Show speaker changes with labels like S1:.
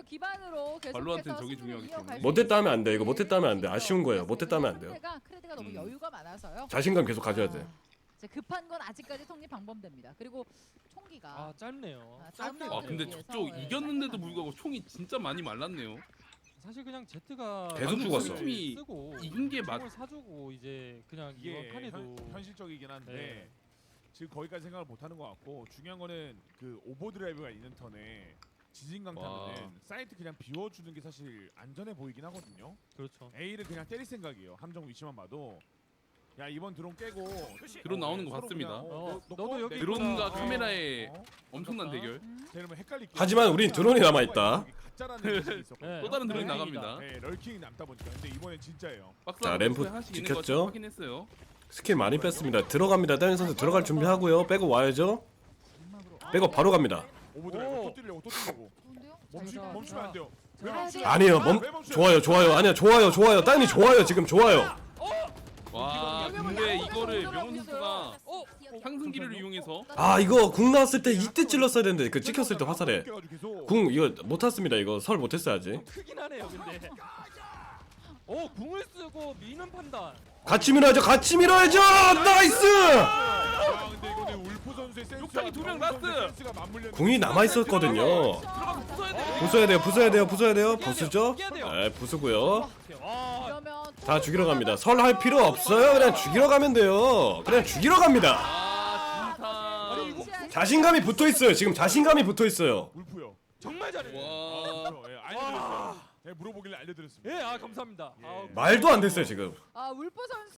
S1: 기반으로
S2: 발로한테는
S1: 계속해서
S2: 저게
S1: 승리를
S2: 중요하기
S1: 이어갈
S2: 때문에.
S1: 수
S3: 못했다 하면 안 돼. 이거
S1: 있는
S3: 못했다 하면 안 돼. 아쉬운 거예요. 못했다 하면 안 돼요.
S1: 상대가 크레드가 너무 여유가 많아서요.
S3: 자신감 계속 가져야 돼.
S1: 이제 급한 건 아직까지 성립 방법됩니다. 그리고 총기가
S4: 아 짧네요.
S1: 다음
S4: 짧게
S2: 아
S1: 라운드를
S2: 근데
S1: 위해서,
S2: 저쪽
S1: 예,
S2: 이겼는데도
S1: 짧게
S2: 불구하고 총이 진짜 많이 말랐네요.
S4: 사실 그냥 제트가
S3: 계속 죽었어.
S2: 팀이
S4: 쓰고
S2: 이긴 게 맞.
S4: 총을 사주고 이제 그냥
S5: 이게
S4: 이번 판에도
S5: 현실적이긴 한데
S4: 네.
S5: 지금 거기까지 생각을 못하는 것 같고 중요한 거는 그 오버드라이브가 있는 턴에 지진강
S2: 와.
S5: 타면은 사이트 그냥 비워주는 게 사실 안전해 보이긴 하거든요.
S4: 그렇죠.
S5: A를 그냥 때릴 생각이에요. 함정 위치만 봐도. 야 이번 드론 깨고
S2: 드론 나오는 거
S5: 서로
S2: 봤습니다.
S5: 그냥,
S4: 너도 여기
S2: 드론과
S4: 있구나.
S2: 카메라의
S5: 어?
S2: 엄청난 대결.
S5: 이러면 헷갈릴게.
S3: 하지만 우린 드론이 남아있다.
S5: 가짜라는 인식이 있었거든요.
S4: 네.
S2: 또 다른 드론이
S4: 럴킹이다.
S2: 나갑니다.
S5: 네, 럴킹이 남다 보니까 근데 이번엔 진짜예요.
S2: 박스
S3: 자,
S2: 안에
S3: 램프
S2: 하나씩 있는 거
S3: 지켰죠?
S2: 확인했어요.
S3: 스킬 많이 뺐습니다. 들어갑니다. 다른 선수 들어갈 준비하고요. 빼고 와야죠. 빼고 바로 갑니다.
S5: 오버드라이브
S4: 오.
S5: 또 뛰려고 또 뛰려고.
S1: 좋은데요?
S5: 멈추면 안 돼요. 왜
S1: 자,
S5: 멈춰?
S3: 아니에요. 좋아요. 좋아요. 아니야. 좋아요. 좋아요. 따님 좋아요. 지금 좋아요.
S2: 와 근데 이거를 명훈 선수가
S1: 어?
S2: 상승기를 이용해서
S3: 아 이거 궁 나왔을 때 이때 찔렀어야 되는데 그 찍혔을 때 화살에
S5: 계속.
S3: 궁 이거 못 탔습니다. 이거 설 못했어야지.
S4: 크긴 하네요 근데. 궁을 쓰고 미는 판단.
S3: 같이 밀어야죠. 같이 밀어야죠. 나이스.
S5: 아 근데 이거는 울프 선수의 센스.
S2: 욕탕이 두명 라스트!
S3: 궁이 남아 있었거든요.
S2: 들어가서 부숴야 돼.
S3: 부숴야 돼요. 부숴야 돼요. 부숴야 돼요. 부수죠? 네, 부수고요.
S4: 와
S1: 그러면
S3: 다 죽이러 갑니다. 설 할 필요 없어요. 그냥 죽이러 가면 돼요. 그냥 죽이러 갑니다.
S2: 아 진짜.
S3: 자신감이 붙어 있어요. 지금 자신감이 붙어 있어요.
S5: 울프요.
S4: 정말 잘해.
S2: 와.
S5: 예, 알려드렸어요. 예, 물어보길래 알려드렸습니다.
S4: 예, 감사합니다.
S5: 예.
S3: 말도 안 됐어요 지금.
S1: 울프 선수